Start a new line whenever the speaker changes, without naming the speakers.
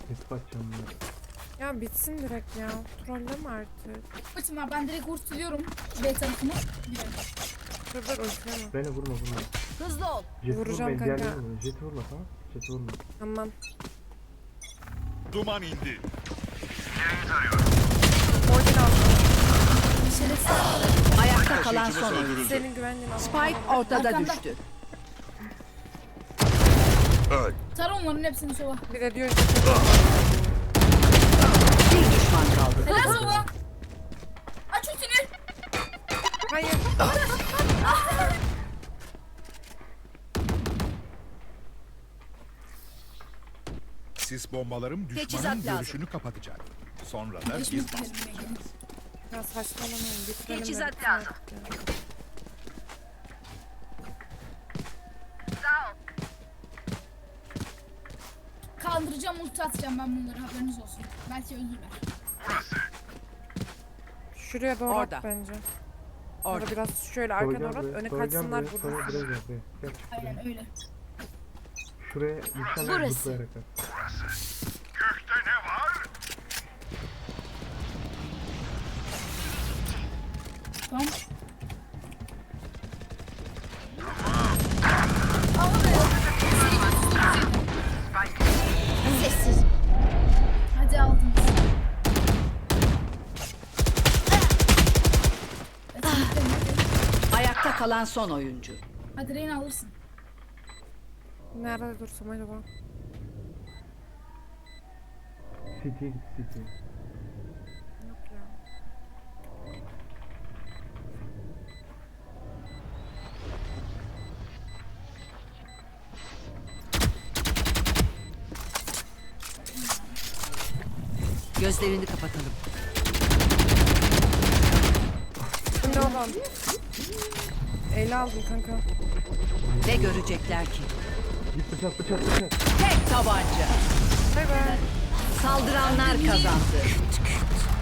Kesip açacağım ya.
Ya bitsin direkt ya. Trolleme artık.
Bakın abi ben direkt vurtuluyorum B tarafını. Gidelim.
Dur ultileme.
Beni vurma.
Hızlı ol.
Jet'i
Vuracağım
vurma,
kanka.
diğerlerini vurma. Jet'i vurma, tamam. Jet'i vurma.
Tamam.
Duman indi.
Orada aldım.
Ayakta kalan son oyuncu.
Senin güvenliğin aldım.
Spike ortada
Arkanda.
düştü.
Öl.
Tar onların hepsini sola.
Bir de diyor
Bir düşman kaldı.
Helal sola. Aç ultini.
hayır.
Sis bombalarım düşmanın
Teçhizat lazım.
görüşünü kapatacak. Sonra da
Geçmiş
biz
gidelim Mega'nın.
Ya saçmalamayın. Bitirelim.
Teçhizat
de.
lazım.
Kaldıracağım ulti atacağım ben bunları haberiniz olsun. Belki öldürürler.
Şuraya doğru
Orada.
at bence.
Orada.
Orada biraz şöyle arkana doğru at. Öne kaçsınlar
Sonra
burada.
buraya gel buraya. Gel çık buraya.
Aynen öyle.
Şuraya insanlar
Burası.
zıplayarak at.
Tamam. Ama be.
Sessiz.
Hadi aldınız.
Ayakta kalan son oyuncu.
Hadi Reyna alırsın.
Nerede dursam acaba?
City'ye git City.
Yok ya.
Gözlerini kapatalım.
Bu ne olan? Ele aldım kanka.
Ne görecekler ki?
Git bıçak.
Tek tabanca.
Bay bay.
Saldıranlar kazandı.